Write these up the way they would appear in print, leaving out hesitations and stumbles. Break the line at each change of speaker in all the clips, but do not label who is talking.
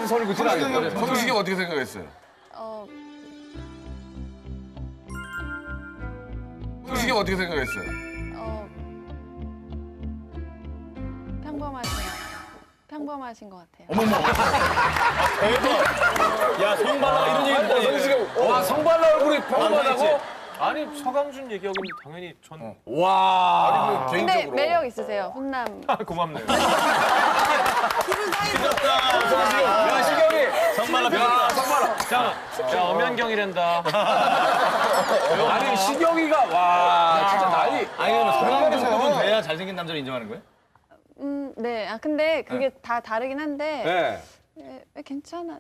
성시경한테 선을 긋지는 않겠다.
성시경 어떻게 생각했어요? 성시경 어떻게 생각했어요?
평범하신 것 같아요.
야, 성발라 이런 얘기 듣다.
성시경, 와, 성발라 얼굴이 평범하다고?
아니 서강준 얘기하기는 당연히 전
와.
근데
개인적으로.
매력 있으세요, 훈남.
고맙네요.
야, 시경이. 성발라 야, 성발라.
자 엄연경이란다.
아니, 시경이가, 와, 진짜 난리.
아니, 그러면 성발라에서 돼야 잘생긴 남자를 인정하는 거예요?
네. 아 근데 그게 다 다르긴 한데.
네.
괜찮아.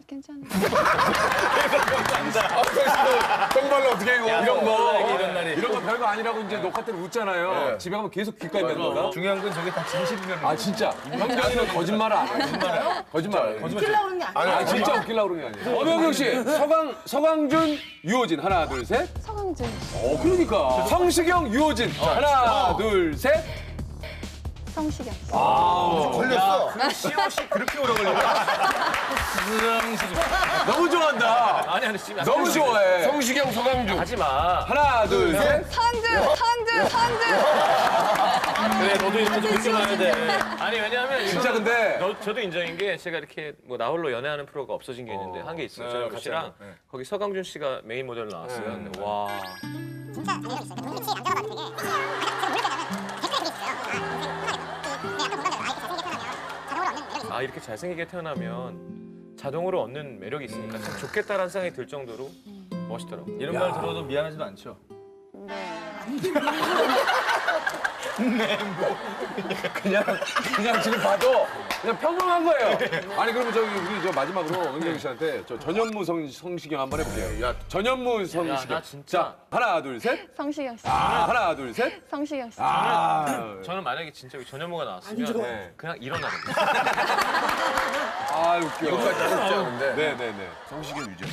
성발라 어떻게 이거?
이런 날이.
이런 거 별거 아니라고 이제 녹화 때는 웃잖아요.
네.
집에 가면 계속 귓가에 맴돈다.
중요한 건 저게 다 진실이면.
아 진짜. 형경이는 거짓말을 안 해. 거짓말.
웃기려고 그런 게 아니야.
아 진짜 웃기려고 그런 게 아니야. 엄영경 씨, 서강준, 유호진 하나 둘 셋.
서강준.
그러니까 성시경, 유호진 하나 둘 셋.
성시경.
걸렸어.
시옷이 그렇게 오래 걸려.
너무 좋아한다.
아니 지금
너무 좋아해.
성시경, 서강준.
하지 마.
하나 둘 셋.
서강준.
그래 너도 이렇게 좀 인정해야 돼. 아니 왜냐하면
진짜 근데
저도 인정인 게 제가 이렇게 뭐 나홀로 연애하는 프로가 없어진 게 있는데 한 게 있어요. 저랑 씨랑 거기 서강준 씨가 메인 모델로 나왔어요. 근데 와.
진짜 매력 있어요. 눈빛이 남자가 봐도 되게 제가 모를 때는 댓글에 되게 있어요. 아, 이렇게 잘생기게 태어나면 자동으로 얻는 매력이 있어요.
이렇게 자동으로 얻는 매력이 있으니까 참 좋겠다라는 생각이 들 정도로 멋있더라고.
이런 말 들어도 미안하지도 않죠?
네.
그냥 지금 봐도 그냥 평범한 거예요. 아니 그러면 저기 우리 저 마지막으로 은경 씨한테 저 전현무 성시경 한번 해볼게요. 야 전현무 성시경.
나 진짜.
자 하나 둘 셋.
성시경 씨.
하나 둘 셋.
성시경 씨.
저는 만약에 진짜 전현무가 나왔으면
네.
그냥 일어나거든요.
아 웃겨.
여기까지 어렵지 않은데.
네네네.
성시경, 유재.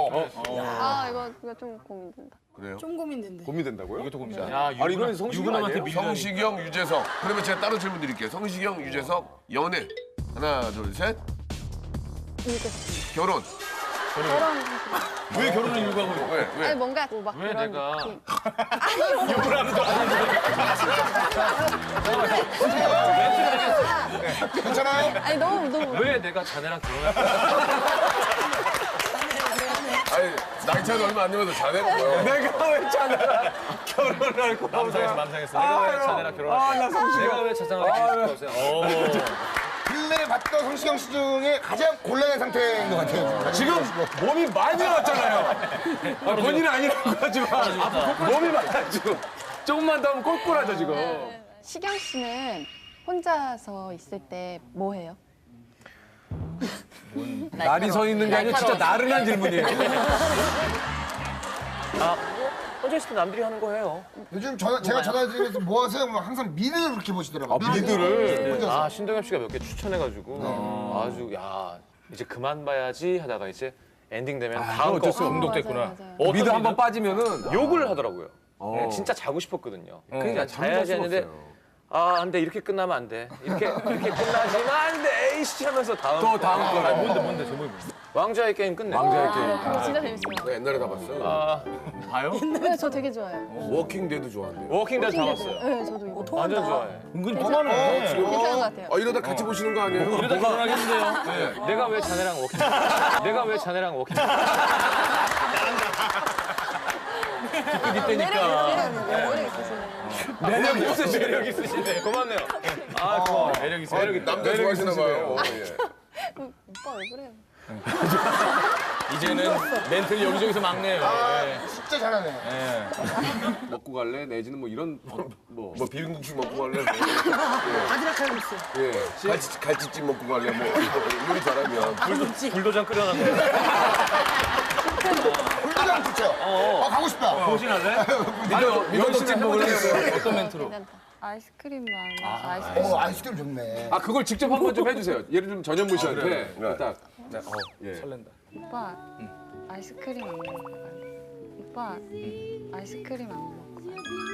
이거 좀 고민된다.
그래요?
좀 고민된대.
고민된다고요?
이것도 고민이야.
야
아니 이거는 성시경 아니에요?
성시경, 유재석. 그러면 제가 따로 질문 드릴게요. 성시경, 유재석, 연애. 하나, 둘, 셋.
유재석.
결혼.
결혼.
왜 결혼을 유구하고 그래?
왜? 왜?
아니 뭔가 막
왜
그런
내가-
느낌.
괜찮아요?
아니 너무.
왜 내가 자네랑 결혼할
아니, 나이 차도 얼마 안 되면서 자네가 뭐야?
내가 왜 자네랑 결혼을 할 거야?
맘상했어. 내가 왜 자네랑 결혼할
나 성시경.
내가 왜 자장을 했을
근래 봤던 성시경 씨 중에 가장 곤란한 상태인 것 같아요.
지금 몸이 많이 나왔잖아요. 본인은 아니라고 하지만 몸이 많아지고 조금만 더 하면 꼴꼴하죠 지금.
시경 씨는 혼자서 있을 때 뭐 해요?
날이 서 있는 게 아니라 진짜 나른한 질문이에요.
혼자 있을 때 남들이 하는 거 해요.
요즘 제가 전화드리면서 뭐 하세요? 뭐 항상 미드를 그렇게 보시더라고요.
미드를.
혼자서.
아 신동엽 씨가 몇 개 추천해가지고 아주 야 이제 그만 봐야지 하다가 이제 엔딩 되면 다음 거
어쩔 수 없어.
중독됐구나.
맞아요.
어떤
미드 한번
미드?
빠지면은
욕을 하더라고요. 진짜 자고 싶었거든요. 그러니까
잠잘
자야지
수가
했는데
없어요.
안 돼. 이렇게 끝나면 안 돼. 이렇게 끝나지만 안 돼. 에이씨 하면서 다음
또 다음 거라.
뭔데, 제목이 뭐야?
왕좌의 게임 끝내.
왕좌의 게임.
그거 진짜 재밌어요.
나 옛날에 다 봤어.
봐요?
네, 저 되게 좋아해요.
워킹 데드 좋아한대요.
워킹데드 다 봤어요.
네, 저도 이거.
완전 좋아해.
은근히 통하네.
괜찮은 것 같아요.
이러다 같이 보시는 거 아니에요?
이러다 결혼하겠는데요?
내가 왜 자네랑 워킹? 내가 왜 자네랑 워킹?
이때니까.
매력 있으시네요.
매력 있으시네. 고맙네요. 고마워. 매력 있어.
남자 좋아하시나 봐요.
오빠 왜 그래요?
이제는 멘트를 여기저기서 막네요.
진짜 잘하네.
먹고 갈래? 내지는 뭐 이런 뭐
비빔국수 먹고 갈래?
바지락 칼국수.
예. 갈치찜 먹고 갈래? 뭐 요리 잘하면.
불도장 끓여놨네.
불도장 좋죠? 가고 싶다.
보신할래?
미더덕찜 먹을래?
어떤 멘트로?
괜찮다. 아이스크림 많아. 아이스크림.
아이스크림 좋네.
아 그걸 직접 한번 좀 해주세요. 예를 들면 전현무 씨한테 딱
설렌다.
오빠 아이스크림 안 먹을 거야. 오빠 아이스크림 안 먹을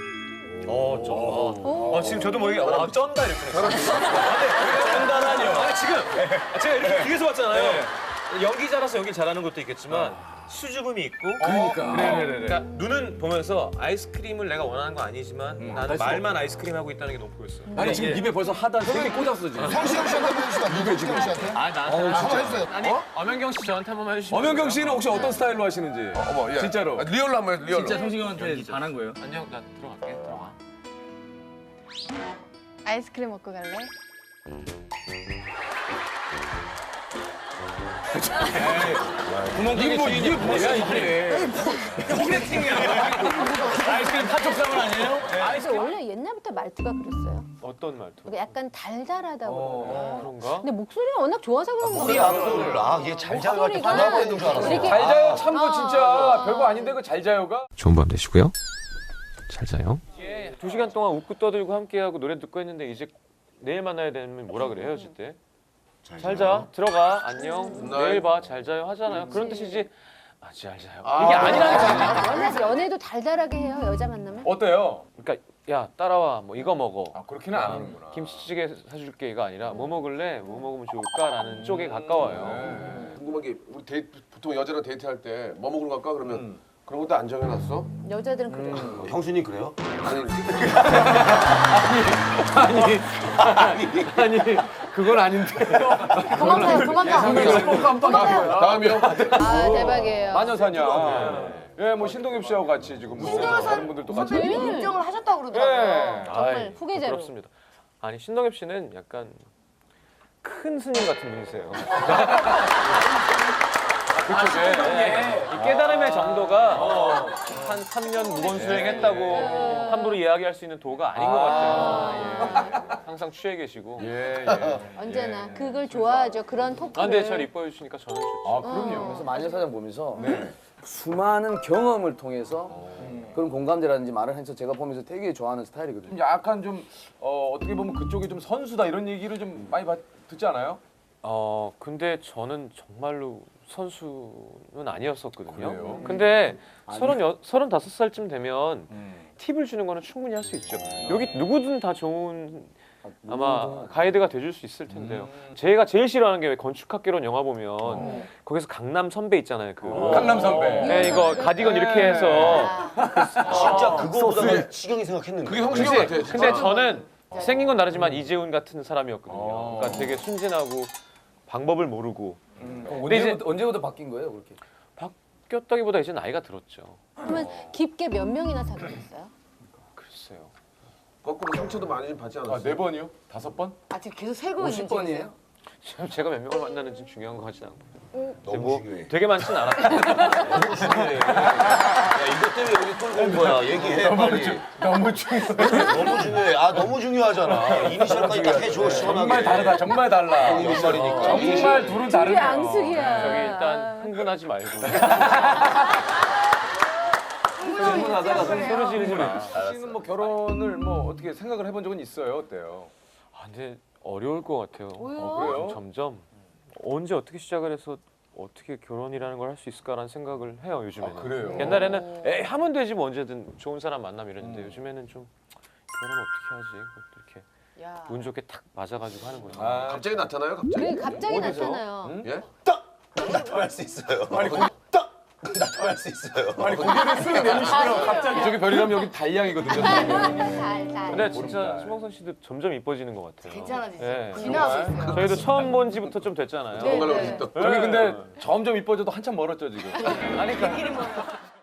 거야.
지금 저도 모르게 쩐다 이렇게. 쩐다라니요. 아니 지금 제가 이렇게 뒤에서 봤잖아요. 연기자라서 연기 잘하는 것도 있겠지만 수줍음이 있고
그러니까.
눈은 보면서 아이스크림을 내가 원하는 거 아니지만 나는 말만 아이스크림 하고 있다는 게 너무 보였어요.
아니 지금 입에 벌써 하단 3개 꽂았어 지금.
성시경 씨한테 한번 해주시면 성시경 씨한테.
아 나한테
한번 해주세요.
아니 엄연경 씨 저한테 한 번만 해주시면.
엄연경 씨는 혹시 어떤 스타일로 하시는지.
어머, 예.
진짜로.
아, 리얼로 한번 해, 리얼로.
진짜 성시경한테 반한 거예요?
안녕 나 들어갈게. 들어가.
아이스크림 먹고 갈래?
구멍가게 주인이 뭐야 이게? 아이스크림 파촉상은 아니에요?
그래서 원래 옛날부터 말투가 그랬어요.
어떤 말투?
그러니까 약간 달달하다고 그러나.
그런가?
근데 목소리가 워낙 좋아서 그런
우리
거예요.
앞을 얘 잘 자요 할때
목소리가
반하고 있는 줄 알았어.
이렇게
잘 자요 참 거 진짜 별거 아닌데 그 잘 자요가.
좋은 밤 되시고요. 잘 자요.
2시간 동안 웃고 떠들고 함께하고 노래 듣고 했는데 이제 내일 만나야 되면 뭐라 그래 헤어질 때? 잘 자. 들어가. 안녕. 내일 봐. 잘 자요 하잖아요. 그런 뜻이지. 아, 잘 자요. 이게 아니라니까.
연애도 달달하게 해요 여자 만나면.
어때요?
그러니까 야 따라와. 뭐 이거 먹어.
아 그렇게는 안 하는구나.
김치찌개 사줄게가 아니라 뭐 먹을래? 뭐 먹으면 좋을까라는 쪽에 가까워요.
궁금한 게 우리 보통 여자랑 데이트할 때 뭐 먹으러 갈까 그러면 그런 것도 안 정해놨어?
여자들은 그래요.
형수님 그래요?
아니 그건 아닌데.
그만 가요 그만 가.
다음이요.
아 대박이에요.
마녀사냥. 예, 뭐 신동엽 씨하고 같이 지금 뭐 다른 분들도 같이.
인정을 하셨다고
예.
그러더라고요. 정말
아이,
후계자로.
부럽습니다. 아니 신동엽 씨는 약간 큰 스님 같은 분이세요. 그쪽에 이 깨달음의 정도가 한 3년 무건 수행했다고 함부로 이야기할 수 있는 도가 아닌 것 같아요. 예. 항상 취해 계시고.
예.
언제나 그걸 좋아하죠. 그런
아,
토크를.
근데 잘 이뻐해 주시니까 저는 좋죠.
아 그럼요.
그래서 마녀사냥 보면서 수많은 경험을 통해서 그런 공감대라든지 말을 해서 제가 보면서 되게 좋아하는 스타일이거든요.
좀 약간 좀 어떻게 보면 그쪽이 좀 선수다 이런 얘기를 좀 많이 듣지 않아요?
근데 저는 정말로 선수는 아니었었거든요.
그래요?
근데 35살쯤 되면 팁을 주는 거는 충분히 할 수 있죠. 여기 누구든 다 좋은 아마 가이드가 돼줄 수 있을 텐데요. 제가 제일 싫어하는 게 왜 건축학개론 영화 보면 거기서 강남 선배 있잖아요. 그
강남 선배.
네, 이거 가디건 이렇게 해서
진짜 그거보다 시경이 생각했는데.
그게 형식형 같아. 진짜.
근데 저는 생긴 건 다르지만 이재훈 같은 사람이었거든요. 그러니까 되게 순진하고 방법을 모르고 근데 이제
언제부터 바뀐 거예요, 그렇게?
바뀌었다기보다 이제 나이가 들었죠.
그러면 깊게 몇 명이나 사귀었어요?
글쎄요.
거꾸로 상처도 많이 좀 받지 않았어?
4번이요? 5번?
아직 계속 세고 있는
50번이에요?
지금 제가 몇 명을 만나는지 중요한 것 같진 않고.
너무
뭐
중요해.
되게 많진 않았어요.
너무 중요해. 야 이것 때문에 여기 끌고 온 거야. 얘기해 빨리.
너무 중요해.
너무 중요해. 아 너무 중요하잖아. 이니셜까지 딱 해줘 시원하게.
정말 다르다. 정말 달라.
이런 말이니까.
정말 둘은 다르네요.
앙숙이야.
저기 일단 흥분하지 말고.
흥분하다가
소리 지르지 마.
씨는 뭐 결혼을 뭐 어떻게 생각을 해본 적은 있어요? 어때요?
아, 근데 어려울 것 같아요.
그래요?
점점 언제 어떻게 시작을 해서 어떻게 결혼이라는 걸 할 수 있을까라는 생각을 해요 요즘에는.
그래요?
옛날에는 에이 하면 되지 뭐 언제든 좋은 사람 만나면 이랬는데 요즘에는 좀 결혼 어떻게 하지? 그것도 이렇게 운 좋게 탁 맞아가지고 하는 거죠.
아,
갑자기 나타나요? 갑자기?
그게 갑자기
어디서?
나타나요.
예?
나타날 수 있어요. 나타날 수 있어요.
이쪽에 별이라면 여기 달량이거든요.
살살.
근데 진짜 신봉선 씨도 점점 이뻐지는 것 같아요.
괜찮아지죠.
네.
지나고 있어요.
저희도 처음 본 지부터 좀 됐잖아요.
뭔가를 또
저기 근데 점점 이뻐져도 한참 멀었죠 지금.
우리끼리 모여.